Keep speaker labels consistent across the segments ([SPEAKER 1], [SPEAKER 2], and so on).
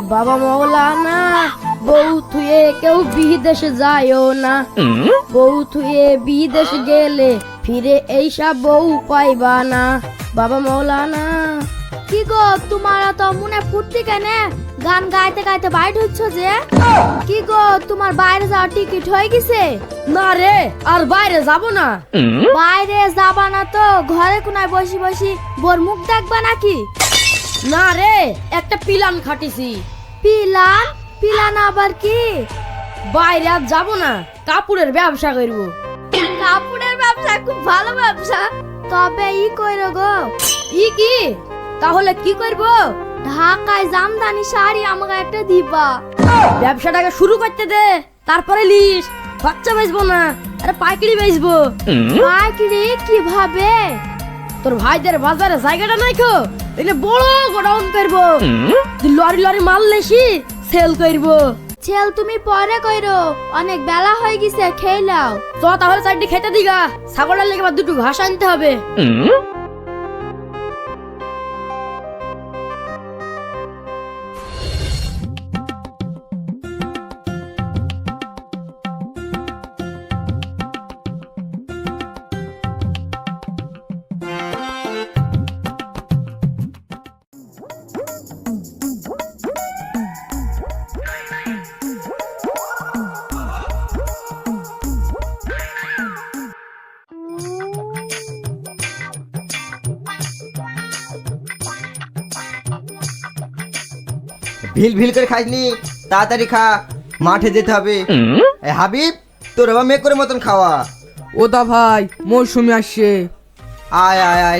[SPEAKER 1] বাবা মৌলানা, বউ থুয়ে কেউ বিদেশে যায়ও না। বউ থুয়ে বিদেশ গেলে ফিরে এইসব বউ পাইবা না। বাবা মৌলানা।
[SPEAKER 2] কি গো, তোমার তো মনে ফুর্তি কেনে? গান গাইতে গাইতে বাইরে হচ্ছ যে? কি গো, তোমার বাইরে যাওয়ার টিকিট হয়ে গেছে?
[SPEAKER 1] না রে, আর বাইরে যাব না।
[SPEAKER 2] বাইরে যাবা না তো ঘরে কোনায় বসি বসি বোর মুখ দেখবা নাকি?
[SPEAKER 1] না রে, একটা পিলান খাটিছি।
[SPEAKER 2] পিলান? পিলান আবার কি?
[SPEAKER 1] বাইরে আর যাব না, কাপড়ের ব্যবসা করব।
[SPEAKER 2] কাপড়ের ব্যবসা খুব ভালো ব্যবসা। তবে ই কইরো গো।
[SPEAKER 1] ই কি? তাহলে কি করব?
[SPEAKER 2] ঢাকায় জামদানি শাড়ি আমাকে একটা দিবা।
[SPEAKER 1] ব্যবসাটাকে শুরু করতে দে, তারপরে লিস। খরচা বেচবো না, আরে পাইকারি বেচবো।
[SPEAKER 2] পাইকারি কিভাবে?
[SPEAKER 1] তোর ভাইদের বাজারে জায়গাটা নাই কো, এখানে বড় গোডাউন করব। তুই লরি লরি মাল লেসি সেল করব।
[SPEAKER 2] ছেল তুমি পরে কইরো, অনেক বেলা হয়ে গেছে, খেয়ে নাও।
[SPEAKER 1] তো তাহলে চারটি খেতে দিগা, ছাগলের লেগে আবার দুটো ঘাস আনতে হবে।
[SPEAKER 3] ভিল ভিল করে খাইনি, তাড়াতাড়ি খা, মাঠে যেতে হবে। হাবিব, তোর বাবা মেয়ে করে মতন খাওয়া।
[SPEAKER 4] ও দা ভাই, মৌসুমি আসছে।
[SPEAKER 3] আয় আয় আয়,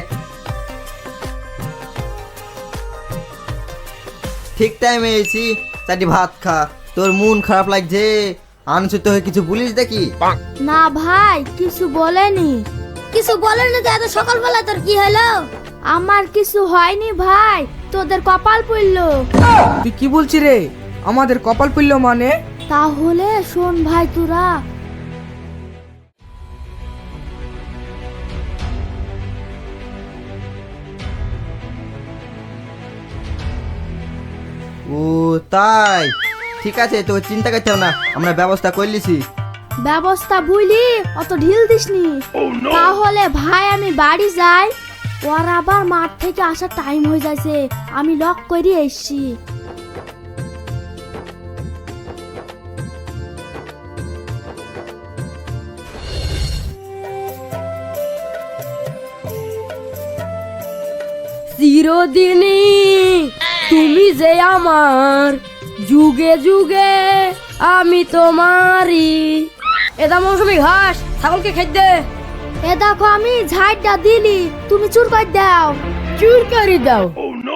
[SPEAKER 3] ঠিক টাইমে এসেছি। চারটি ভাত খা। তোর মন খারাপ লাগছে, আনসুত হয়ে কিছু বলিস দেখি?
[SPEAKER 2] না ভাই, কিছু বলেনি।
[SPEAKER 5] কিছু বলেনি তো এত সকালবেলা তোর কি হলো?
[SPEAKER 2] আমার কিছু হয়নি ভাই, তোদের কপাল পড়লো।
[SPEAKER 4] তুই কি বলছিস রে? আমাদের কপাল পড়লো মানে?
[SPEAKER 2] তাহলে শোন ভাই, তোরা
[SPEAKER 3] ও তাই, ঠিক আছে, তো চিন্তা করতে হবে না, আমরা ব্যবস্থা করলিছি।
[SPEAKER 2] ব্যবস্থা বুঝলি, অত ঢিল দিসনি। তাহলে ভাই আমি বাড়ি যাই, ওর আবার মাঠ থেকে আসার টাইম হয়ে যাচ্ছে, আমি লক করে এসছি।
[SPEAKER 1] চিরদিনই তুমি যে আমার, যুগে যুগে আমি তোমারই। এটা মৌসুমি ঘাস, ছাগলকে খেতে দে।
[SPEAKER 2] এ দেখো আমি ঝাড়টা দিলি, তুমি চুর করে দাও।
[SPEAKER 1] চুর করে দাও?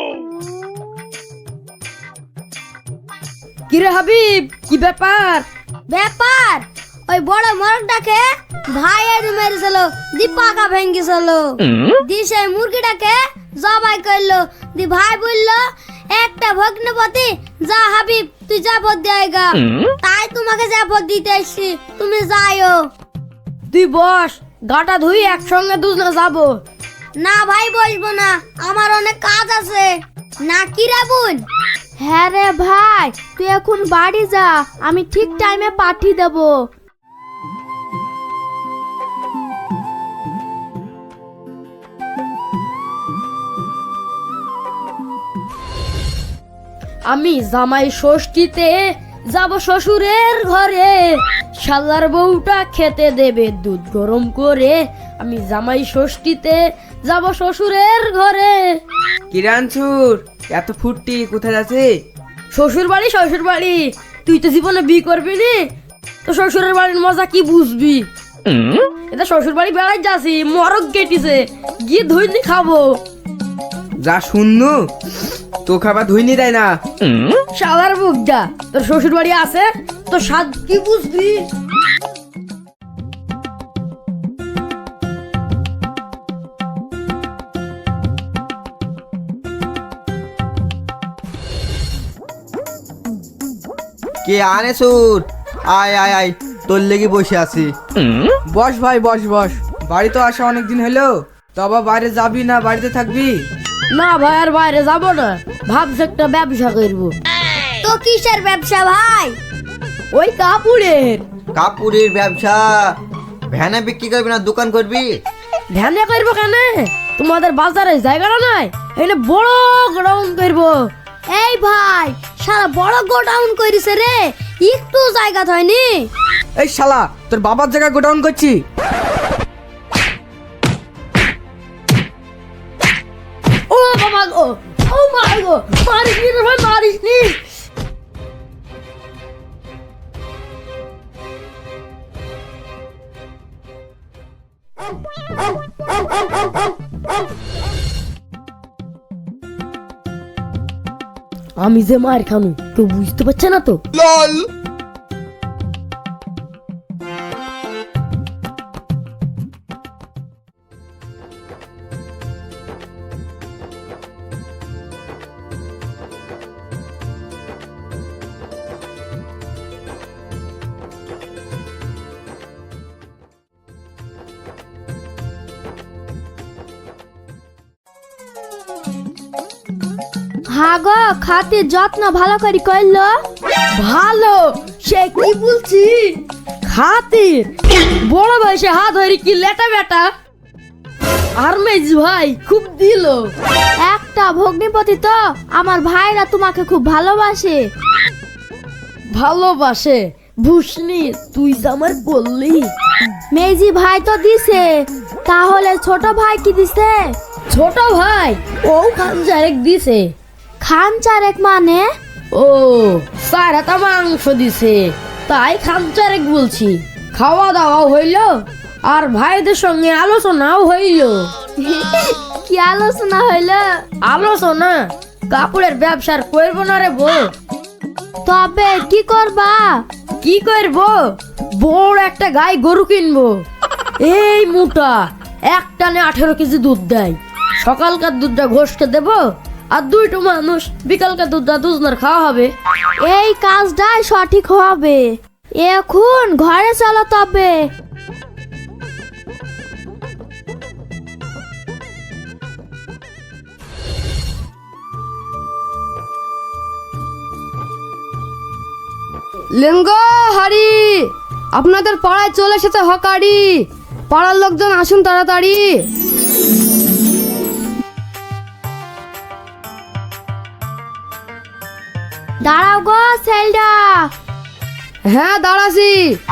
[SPEAKER 1] কিরে হাবিব, কি ব্যাপার?
[SPEAKER 5] ব্যাপার ওই বড় মোরগটাকে ভাই এনে মেরেছিল, দীপাকা ভেঙ্গেছিল। দি সেই মুরগিটাকে জবাই করলো। দি ভাই বললো, একটা ভগ্নপতি, যা হাবিব তুই জাপত দেয়গা। তাই তোমাকে জাপত দিতে এসছি, তুমি যাইও।
[SPEAKER 1] তুই বস, গাটা ধুই একসঙ্গে দুজনে যাবো।
[SPEAKER 5] না ভাই, বসবো না, আমার অনেক কাজ আছে। না কি রে বোন?
[SPEAKER 2] হ্যাঁ রে ভাই, তুই এখন বাড়ি যা, আমি ঠিক টাইমে পাঠিয়ে দেবো।
[SPEAKER 1] আমি জামাই ষষ্ঠীতে যাব শ্বশুরের ঘরে, শালার বউটা খেতে দেবে দুধ গরম করে। আমি জামাই ষষ্ঠীতে যাব শ্বশুরের ঘরে।
[SPEAKER 4] কিরানছুর, এত ফুর্তি কোথায় যাচ্ছে?
[SPEAKER 1] শ্বশুর বাড়ি, শ্বশুর বাড়ি। তুই তো জীবনে বিয়ে করবি নি, তো শ্বশুরের বাড়ির মজা কি বুঝবি? এটা শ্বশুর বাড়ি বেড়াই যাচ্ছি, মরক কেটিছে, গিয়ে ধুইনি খাবো।
[SPEAKER 4] যা শুননু, তো খাবার ধুইনি দেয় না।
[SPEAKER 1] শালার বুকটা, তোর শ্বশুর বাড়ি আছে তো স্বাদ কি বুঝবি?
[SPEAKER 3] কে আনে সুর? আয় আয় আয়, তোর লেগে বসে আছি।
[SPEAKER 4] বস ভাই, বস বস। বাড়ি তো আসা অনেকদিন হলো, তো আবার বাইরে যাবি না বাড়িতে থাকবি?
[SPEAKER 1] না ভাই, আর বাইরে যাব না, ভাবছি একটা ব্যবসা করবো।
[SPEAKER 5] তো তো কিসের ব্যবসা ভাই?
[SPEAKER 1] ওই কাপড়ের।
[SPEAKER 3] কাপড়ের ব্যবসা? ভ্যানে বিক্রি করবি না দোকান করবি?
[SPEAKER 1] ধ্যানে করবো কেন? তোমাদের বাজারে জায়গাটা নাই, এখানে বড় গ্রাউন্ড করবো।
[SPEAKER 5] এই ভাই, সারা বড় গোডাউন করিছে রে, একটু জায়গা হয়নি।
[SPEAKER 4] এই শালা, তোর বাবার জায়গায় গোডাউন করছি।
[SPEAKER 1] ও বাবা গো, ও মা গো, মারিস নি রে ভাই, মারিস নি। আমি যে মার খানু কেউ বুঝতে পারছে না তো?
[SPEAKER 2] হ্যাঁ গো, খাতির যত্ন ভালো করে করলো।
[SPEAKER 1] ভালো, সে কি বলছি? খাতির বড় বয়সে হাত ধরে কি লেটা বেটা। আর মেজ ভাই খুব দিল।
[SPEAKER 2] একটা ভগ্নিপতি তো, আমার ভাইরা তোমাকে খুব ভালোবাসে।
[SPEAKER 1] ভালোবাসে ভুসনি, তুই তো আমার বললি।
[SPEAKER 2] মেজি ভাই তো দিছে, তাহলে ছোট ভাই কি দিছে?
[SPEAKER 1] ছোট ভাই ও খানজারেক দিছে।
[SPEAKER 2] খান চারেক মানে?
[SPEAKER 1] ও চার হাতা মাংস দিছে, তাই খানচারেক বলছি। খাওয়া দাওয়া হইলো আর ভাইদের সঙ্গে আলোচনাও হইলো।
[SPEAKER 2] কি আলোচনা হইলো?
[SPEAKER 1] আলোচনা কাপড়ের ব্যবসার করবো না রে বউ।
[SPEAKER 2] তবে কি করবা?
[SPEAKER 1] কি করবো? বড় একটা গাই গরু কিনবো, এই মোটা, একটানে 18 কেজি দুধ দেয়। সকালকার দুধটা ঘষকে দেবো, আর দুইটো মানুষ বিকালকার দুধটা দুজনের খাওয়া হবে।
[SPEAKER 2] এই কাজটাই সঠিক হবে। এখন ঘরে চলো তবে।
[SPEAKER 6] লেঙ্গো হারি, আপনাদের পাড়ায় চলে এসেছে হকারি। পাড়ার লোকজন আসুন তাড়াতাড়ি।
[SPEAKER 2] দাঁড়াও গো সেলডা।
[SPEAKER 6] হ্যাঁ দাঁড়াছি।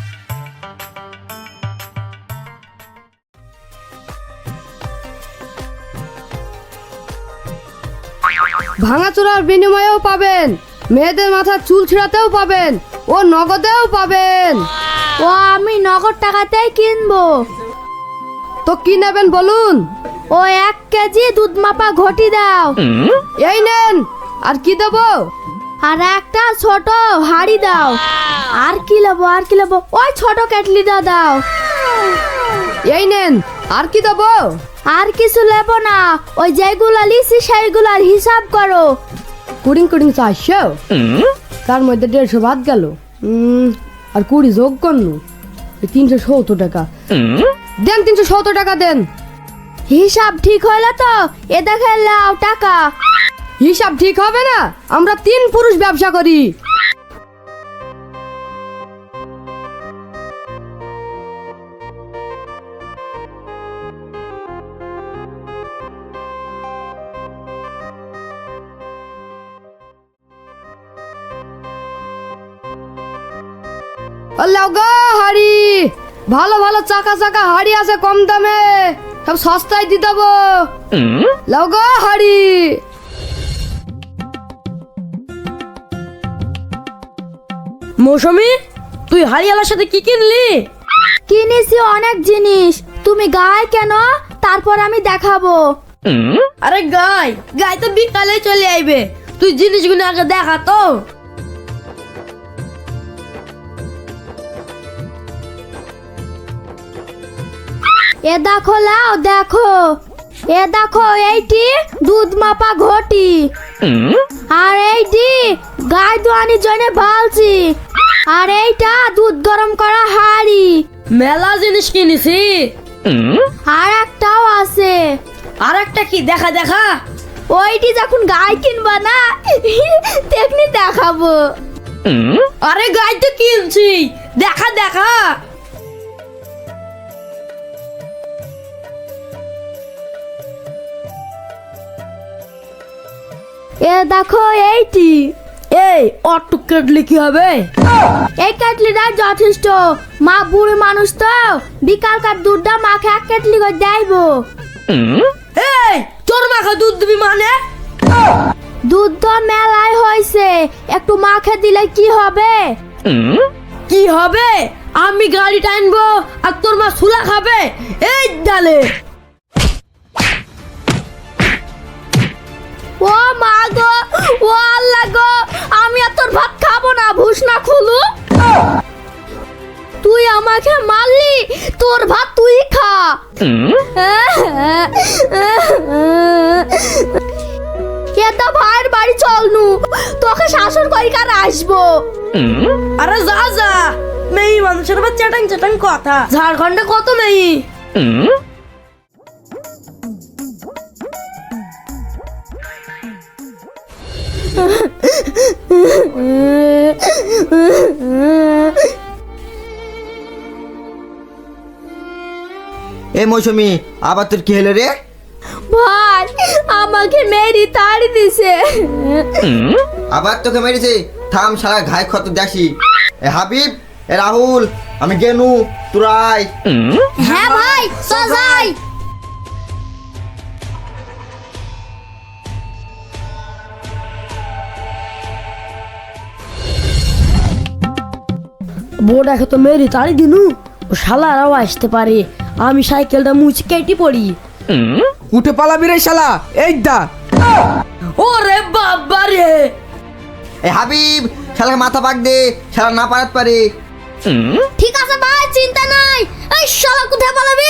[SPEAKER 6] ভাঙাচোরার বিনিময়েও পাবেন, মেয়েদের মাথার চুল ছিঁড়াতেও পাবেন, ও নগদেও পাবেন।
[SPEAKER 2] ও আমি নগদ টাকাতেই কিনবো।
[SPEAKER 6] তো কি নেবেন বলুন?
[SPEAKER 2] ও 1 কেজি দুধ মাপা ঘটি দাও।
[SPEAKER 6] এই নেন। আর কি দেবো?
[SPEAKER 2] আর একটা ছোট হাড়ি দাও। আর কি নেবো? আর কি নেবো? ওই ছোট কেটলিটা দাও।
[SPEAKER 6] এই নেন। আর কি দেবো?
[SPEAKER 2] আর কিছু নেবো না, ওই যেগুলো লিসি সেইগুলার হিসাব করো।
[SPEAKER 6] কুড়িং 400, তার মধ্যে 150 বাদ গেল। আর 20 যোগ করনু, 370 টাকা দেন। 370 টাকা দেন।
[SPEAKER 2] হিসাব ঠিক হইলো তো? এ দেখে লাও টাকা।
[SPEAKER 6] হিসাব ঠিক হবে না, আমরা 3 পুরুষ ব্যবসা করি। লাও গো হাড়ি, ভালো ভালো চাকা চাকা হাড়ি আছে কম দামে, সব সস্তায় দিয়ে দেবো। লাও গো হাড়ি।
[SPEAKER 1] মৌসুমী, তুই হারিয়ালার সাথে কি কিনলি?
[SPEAKER 2] কিনেছি অনেক জিনিস, তুমি গায়ে কেন? তারপর আমি দেখাবো।
[SPEAKER 1] আরে গাই গাই তো বিকালে চলে আইবে, তুই জিনিসগুলো আগে দেখা তো।
[SPEAKER 2] এ দেখো লাও, দেখো। এ দেখো, এইটি দুধ মাপা ঘটি, আর এইটি গায়ে দোয়ানির জন্য বালতি, আর এইটা দুধ গরম করা হাঁড়ি।
[SPEAKER 1] মেলা জিনিস কিনেছি।
[SPEAKER 2] আর একটাও আছে।
[SPEAKER 1] আর একটা কি? দেখা দেখা।
[SPEAKER 2] ওইটি যখন গাই কিনবা না তেমনি দেখাবো।
[SPEAKER 1] আরে গাই তো কিনছি, দেখা দেখা।
[SPEAKER 2] এ দেখো এইটি।
[SPEAKER 1] এই অটুক কাটলে কি হবে?
[SPEAKER 2] এই কেটলিটা যথেষ্ট, মা বুড়ি মানুষ তো বিকালকার দুধটা মাকে এক কেটলি করে দেবো।
[SPEAKER 1] এই তোর মাখা দুধ দিবি মানে?
[SPEAKER 2] দুধ তো মেলায় হয়েছে, একটু মাখে দিলে কি হবে?
[SPEAKER 1] কি হবে? আমি গাড়ি টানবো আর তোর মা সুলা খাবে। এই ডালে
[SPEAKER 2] ও মা গো, ও আল্লাহ গো, আমি আর তোর ভাত খাবো না, ভুস না খুলু। তুই আমাকে মারলি, তোর ভাত তুই খা। এটা ভাইয়ের বাড়ি চলনু, তোকে শাসন করি কার আসবো।
[SPEAKER 1] আরে যা যা, মেয়ে মানুষের আবার চ্যাটাং চ্যাটাং কথা। ঝাড়খণ্ডে কত মেয়ে।
[SPEAKER 3] এ মৌসুমি, আবার তোর কি হলো রে?
[SPEAKER 2] ভাই আমাকে মেরি তাড়ি দিছে।
[SPEAKER 3] আবার তোকে মেরেছে? থাম শালা, ঘাই ক্ষত দেখি। এ হাবিব, এ রাহুল, আমি গেনু, তুরাই।
[SPEAKER 5] হ্যাঁ ভাই, সজাই।
[SPEAKER 1] বোর্ডাকে তো মেরি তাড়ি দিনু, ও শালারাও আসতে পারে। আমি সাইকেলটা মুছে কেটে পড়ি।
[SPEAKER 4] উঠে পালাবি রে শালা, এই দা।
[SPEAKER 1] ওরে বাবা রে!
[SPEAKER 3] এ হাবিব, শালাকে মাথা পাক দে, শালা না পারাত পারে।
[SPEAKER 5] ঠিক আছে ভাই, চিন্তা নাই। এই শালা কোথায় পালাবি?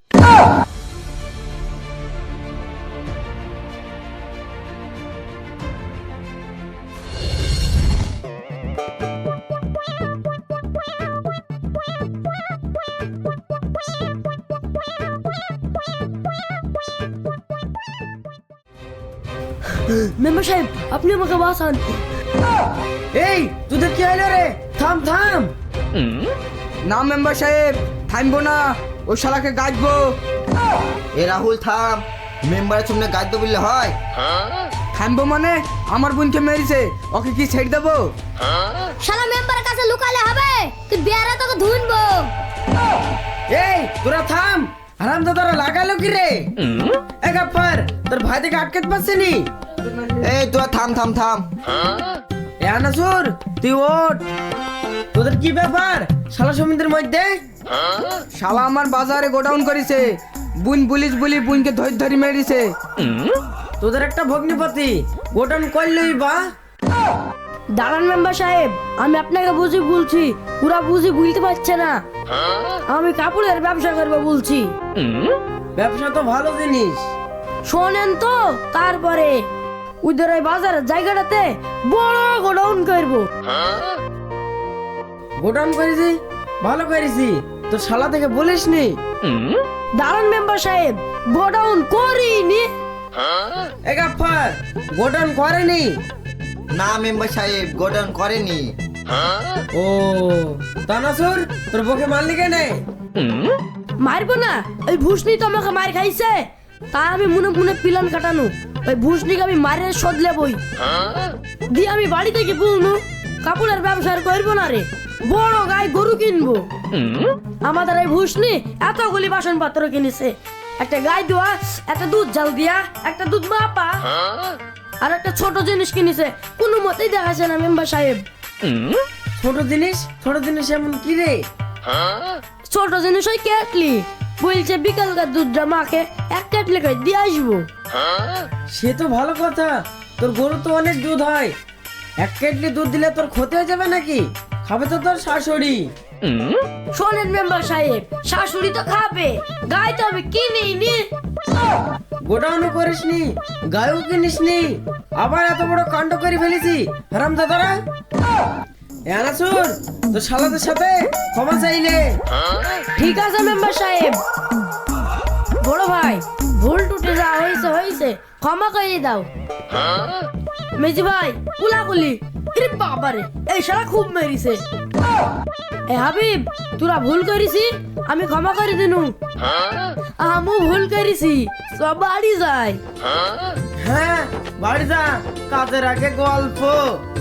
[SPEAKER 1] মেম্বার সাহেব, আপনি আমাকে বাঁচান।
[SPEAKER 4] এই তোদের কি হলো রে? থাম থাম। না মেম্বার সাহেব, থামবো না, ও শালাকে গাছবো।
[SPEAKER 3] এ রাহুল থাম, মেম্বারের সামনে গাইড বললে হয়?
[SPEAKER 4] থামবো মানে? আমার বোনকে মেরেছে, ওকে কি ছেড়ে দেবো?
[SPEAKER 5] শালা মেম্বারের কাছে লুকালে হবে? তুই বিয়ারে তোকে ধুনবো।
[SPEAKER 4] এই তোরা থাম, হারাম দাদারা লাগালো কি রে? এ গাফার, তোর ভাই থেকে আটকাতে পারছিনি?
[SPEAKER 3] এই তোরা থাম থাম থাম।
[SPEAKER 4] এ আনাসুর, তুই ওঠ। তোদের কি ব্যাপার শালা সমিতির মধ্যে? শালা আমার বাজারে গোডাউন করেছে, বুন পুলিশ বলি বুনকে ধরে ধরে মেরেছে। তোদের একটা ভগ্নিপতি গোডাউন করলই বা।
[SPEAKER 1] দাঁড়ান মেম্বার সাহেব, আমি আপনাকে বুঝি বলছি, পুরা বুঝি বুঝতে পারছে না। আমি কাপড়ের ব্যবসা করবো বলছি।
[SPEAKER 4] ব্যবসা তো ভালো জিনিস,
[SPEAKER 1] শোনেন তো, তারপরে ওদের ওই বাজারের জায়গাটাতে বড় গোডাউন করবো।
[SPEAKER 4] গোডাউন করেছি, ভালো করেছি, তোর শালা থেকে বলিসনি?
[SPEAKER 1] দাঁড়ান মেম্বার সাহেব, গোডাউন করিনি।
[SPEAKER 4] এ গাফার, গোডাউন করেনি?
[SPEAKER 3] না মেম্বার সাহেব, গোডাউন করেনি।
[SPEAKER 4] ও তানাসুর, তোর বকে মারলি কেনে?
[SPEAKER 1] মারবো না, ওই ভুসনি তো আমাকে মার খাইছে, তাই আমি মনে মনে প্ল্যান কাটানো। ওই ভুসনিকে আমি মারের শোধ লেবই। দিয়ে আমি বাড়ি থেকে বলনু কাপড়ের ব্যবসা আর করবো না রে, বড় গাই গরু কিনবো। আমাদের এই ভুসনি এতগুলি বাসন পত্র কিনেছে, একটা গাই দোয়া, একটা দুধ জাল দিয়া, একটা দুধ মাপা, আর একটা ছোট জিনিস কিনেছে। কোনো মতেই দেখাচ্ছে না মেম্বার সাহেব।
[SPEAKER 4] ছোট জিনিস? ছোট জিনিস এমন কি রে?
[SPEAKER 1] ছোট জিনিস ওই কেটলি, বলছে বিকালকার দুধটা মাকে এক কেটলি করে দিয়ে আসবো।
[SPEAKER 4] সে তো ভালো কথা, তোর গরু তো অনেক দুধ হয়, এক কেটলি দুধ দিলে তোর ক্ষতি হয়ে যাবে নাকি? খাবে তো তোর শাশুড়ি।
[SPEAKER 1] শোনেন মেম্বার সাহেব, শাশুড়ি তো খাবে, গাই তো আমি কিনিনি।
[SPEAKER 4] গোডাউনও করিসনি, গায়েও কিনিসনি, আবার এত বড় কাণ্ড করে ফেলেছি হারাম দাদারা। আনাসুর, তোর শালাদের সাথে ক্ষমা চাইলে।
[SPEAKER 1] ঠিক আছে মেম্বার সাহেব। বড় ভাই ভুল টুটে যা হয়েছে হয়েছে, ক্ষমা করে দাও। মেজি ভাই কুলাকুলি, আরে বাবারে এই শালা খুব মেরিছে। এ হাবিব তোরা ভুল করিছি, আমি ক্ষমা করে দিনু। আমু ভুল করিছি, সব বাড়ি যায়।
[SPEAKER 4] হ্যাঁ বাড়ি যা, কাজের আগে গল্প।